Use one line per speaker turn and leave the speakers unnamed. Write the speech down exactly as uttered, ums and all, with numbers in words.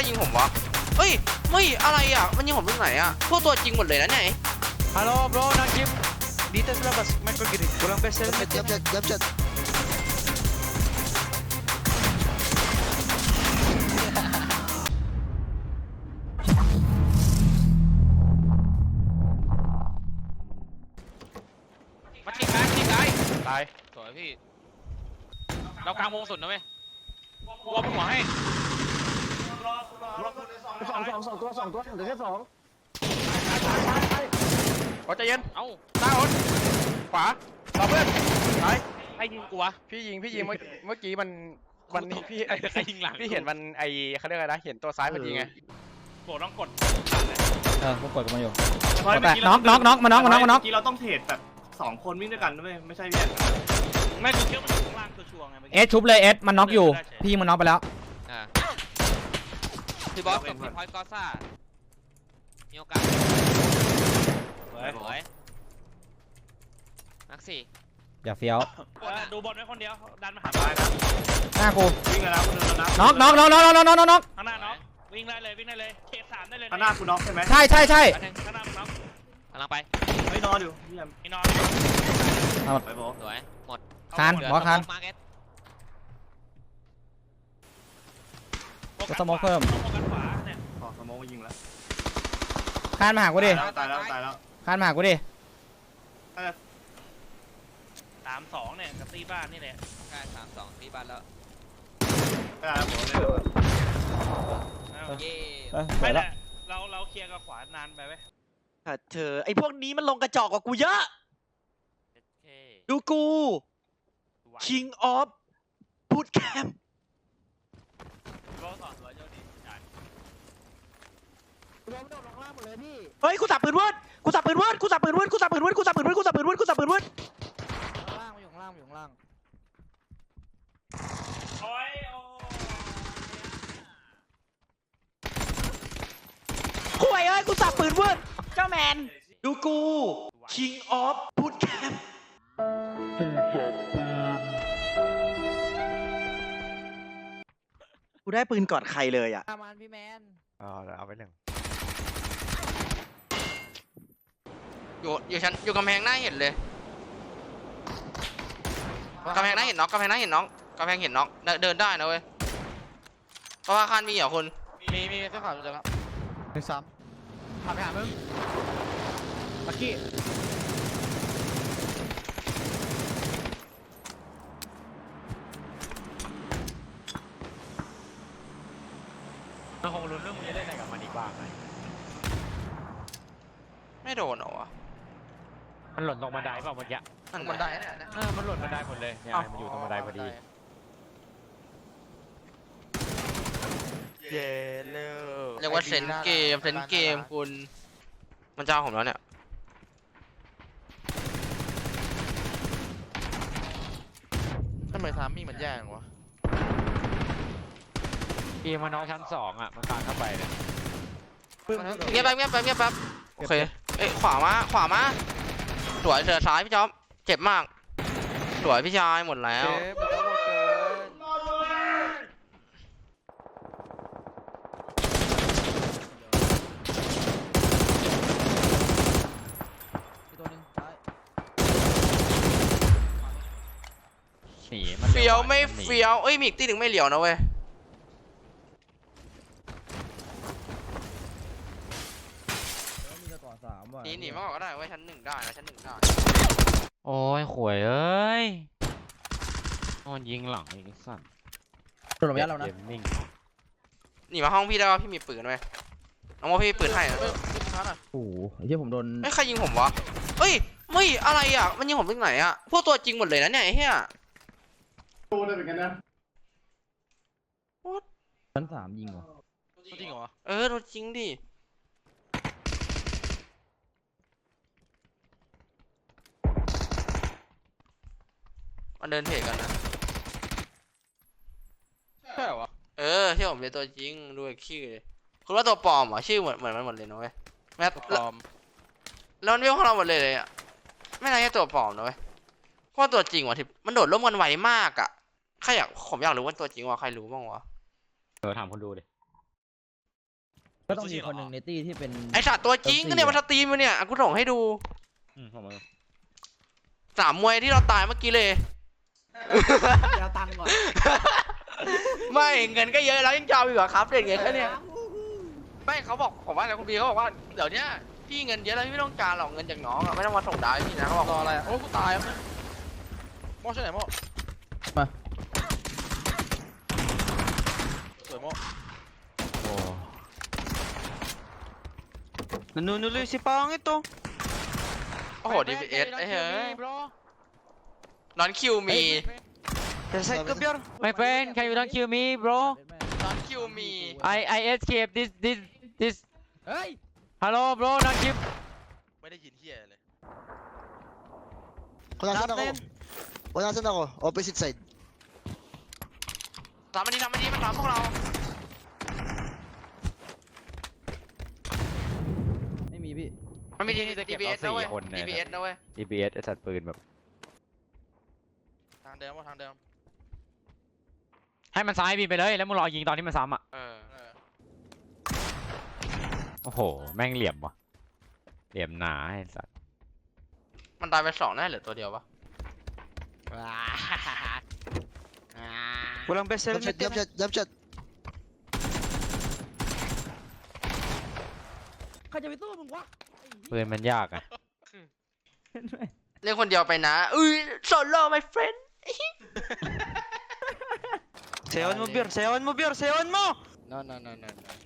ยิงผมวะเฮ้ยไม่อะไรอ่ะมันยิงผมตรงไหนอ่ะพวกตัวจริงหมดเลยนะเนี่ย
Halo bro, Najib. Di tes lepas, Michael gini. Kurang besar.
Jab jab jab jab.
มาชิงซ้ายชิงซ้าย
ตาย
สวยพี่เรากลางวงสุดนะเว้ยกูเอาหัวให้
สองสองสองตัวสองตัวเหลือแค่สอง
ขอใจเย็น
เอ้า
หน้าคนขวาต่อเพื่อนตาย
ใครยิงกูวะ
พี่ยิงพี่ยิงเมื่อเมื่อกี้มันมันนี่พี่
ใครยิงหลัง
พี่เห็นมันไอเขาเรียกอะไรนะเห็นตัวซ้ายพอดีไง
โกรธต้องกด
เออกูกดกับมันอยู่
เฮ้ย
แต่
เมื่อกี้
น็อกน็อกน็อกมาน็อกมาน็อกมาน็อก
เมื่อกี้เราต้องเทรดแบบสองคนวิ่งด้วยกันนะเว้ยไม่ใช่แยกกัน
ไม่กูเชื่อมันอยู่ข้างล่างตัวชัวร์ไงเมื่อ
เอ
กี้
สชุบเลยเอสมันน็อกอยู่พี่มันน็อกไปแล้ว
อ่าพี่บอสกับพี่พอยต์กอซ่ามีโอกาส
เฮ้ย
สวยนักสี่
อย่าเฟี้ยว
ดูบอลไว้คนเดียวดันมาหา
ตายนะ
หน้ากู
วิ่งแล้วนะคนหนึงแล้วนะ
น็อกน็อกน็อกน็อกน็อกน็อกน็อกน็อก
ข้างหน้าน้องวิ่งได้เลยวิ่งได้เลยเขตสามได้เลย
ข้างหน้าคุณน็อกใช่ไหม
ใช่ใช่ใช่
อันหนึ่งข้างหน้ามึงน้องกำลังไป
เฮ้ยนอนอยู่พี่แอม
ไอ้นอน
ไปบอก
สวยหมด
คานบอสคาน
มาร์เก็ต
ก็สโมกเพิ่ม
โฟกัสขวาเนี่ย
ขอสโมองมายิงแล้ว
คานมาหากูดิ
ตายแล้วตายแล้ว
คานมาหากูดิ
ตายแล้ว
สามสองเนี่ยกับตีบ้านนี่แหละใช่สามสองตีบ้านแล้ว
ตายแล้วผมเลยเลย
เย่
เออ
ไม่
แล้
แต่
ว
เราเราเคลียร์กับขวานานไปไหม
เธอไอพวกนี้มันลงกระจอกกว่ากูเยอะ ดูกู King of Bootcamp
ก็สอนตัวเจ้าดีใช่
รวมโดดลงล่างหมดเลยพี่เฮ้ยกูสับปืนเวิร์ดกูสับปืนเวิร์ดกูสับปืนเวิร์ดกูสับปืนเวิร์ดกูสับปืนเวิร์ดกูสับปืนเวิร์ดกูสับปืนเวิร์ดข้างล่างมาอยู่ข้างล่างมาอยู่ข้างล่าง
โอ้ยโอ้
คุยเอ้ยกูสับปืนเวิร์ดเจ้าแมนดูกู King of Bootcamp กูได้ปืนก่อนใครเลยอ่ะ
ประมาณพี่แมน
อ๋อเอาไปหนึ่ง
อยู่อยู่ชั้นอยู่กำแพงหน้าเห็นเลยกำแพงหน้าเห็นน็อกกำแพงหน้าเห็นน็อกกำแพงเห็นน็อกเดินเดินได้นะเว้ยเพราะว่าคานมีเหรอคุณ
มีมีเสื้อขาวจะแล้ว
หนึ่งสามขับไปหามึงลักกี้
มันคงรู้เรื่องมึงจะเล่นอะไรกับมันอีกบ้างไหม
ไม่โดนเหรอวะ
มันหล่นลงบันไดเปล่าเมื่อกี้
นั่นบันไดเนี่ยนะ
เออมันหล่นบันไดหมดเลยเนี่ยมันอยู่ตรงบันไดพอดีเย้เลย
เรียกว่าเซนเกมเซนเกมคุณมันจะเอาผมแล้วเนี่ย
ทำไมทามมิ่งมันแย่งวะเกมมันน้องชั้นสองอ่ะมันตามเข้าไปเนี่ย
เงียบแป๊บเงียบแป๊บเงียบแป๊บโอเคเอ้ยขวามาขวามาสวยเสือซ้ายพี่จ๊อบเจ็บมากสวยพี่ชายหมดแล้ว
ตัวนึงซ้าย
หนีมัน
เฟี้ยวไม่เฟี้ยวเอ้ยมีอีกตีหนึ่งไม่เหลียวนะเว้ย
มีกระต่อสามว่ะ
หนีหนีมาก่อนก็ได้เว้ยชั้นหนึ่งได้นะชั้นหนึ่งได้
โอ้ยข่วยเอ้ยโดนยิงหลังอีกสั่น
โดนระยะเรานะ
เกมมิ่ง
หนีมาห้องพี่ได้ป่ะพี่มีปืนไหมน้องว่าพี่มีปืนให้นะ
โอ้โหไอ้เหี้ยผมโดน
เอ้ยใครยิงผมวะเฮ้ยไม่อะไรอ่ะมันยิงผมตรงไหนอ่ะพวกตัวจริงหมดเลยนะเนี่ยไอ้เหี้ย
ชั้นสามยิงเหรอ
จริงเหรอ
เออตัวจริงดิมันเดินเทรดกันนะ
ใช่เหรอ
เออที่ผมเป็นตัวจริงดูไอ้ชื่อเลยคุณว่าตัวปลอมเหรอชื่อเหมือนเหมือนมันหมดเลยนะเว้ยแม้
ปลอม
แล้วมันเรียกของเราหมดเลยเลยอ่ะไม่น่าจะตัวปลอมนะเว้ยเพราะตัวจริงว่ะที่มันโดดร่มกันไวมากอ่ะใครอยากผมอยากรู้ว่าตัวจริงว่าใครรู้บ้างวะ
เออถามคนดูดิ
ก็ต้องมีคนหนึ่งในตี้ที่เป็น
ไอสัตว์ตัวจริงก็เนี่ยมันสตรีมมาเนี่ยอ่ะกูส่งให้ดู
อืมผมเอา
สามมวยที่เราตายเมื่อกี้เลย
เดี๋ยวตังค์ก่อน
ไม่เงินก็เยอะแล้วยังจะเอาอีกเหรอครับเด็กเงี้ยแค่เนี้ยไม่เขาบอกผมว่าอะไรคุณบีเขาบอกว่าเดี๋ยวเนี้ยพี่เงินเยอะแล้วพี่ไม่ต้องการหรอกเงินจากน้องอ่ะไม่ต้องมาส่งดาวให้พี่นะเขาบอก
รออะไรอะโอ้กูตายแล้วโม่ใช่ไหนโม่
มา
สวยโม่
โอ้
Nanunuloy si Pangit oh.
โอ้โหดีพีเอสไอ้เฮ้ยนอนคิวมี
Side ka, Biar.
my friend can you don't kill me bro
นอนคิวมี
I I escape this this this
เฮ้ย
hello bro don't kill
ไม่ได้ยินเฮียเลย
Kung nasan ako?
Natin.
Kung nasan ako? Opposite side.
ทำมันดีทำมันดีมันทำพวกเรา
ไม่มีพี่
มันมีดี
นี่จะเก็
ดี
บ
พีเอ
เอา
สนะเว้ย
สี่คนเนี่ย
ดีพีเอสนะเว้ย
ดี พี เอส ไอ้สัตว์ปืนแบบ
ทางเดิมว่าทางเดิม
ให้มันซ้ายบินไปเลยแล้วมึงรอยิงตอนที่มันซ้ำอ่ะ
เออ
เออ
โอ้โหแม่งเหลี่ยมว่ะเหลี่ยมหนาไอ้สัตว์
มันตายไปสองแน่เหลือตัวเดียวปะ
Walang best
Jump
helmet
shot, jump
yan.
shot, jump shot.
ใครจะไปสู้มึงวะ
ปืนมันยากอ่ะ
เล่นคนเดียวไปนะอุ้ยโซโล่ my friend
Sayawan mo, Biar. Sayawan mo, Biar. Sayawan mo!
no no no no no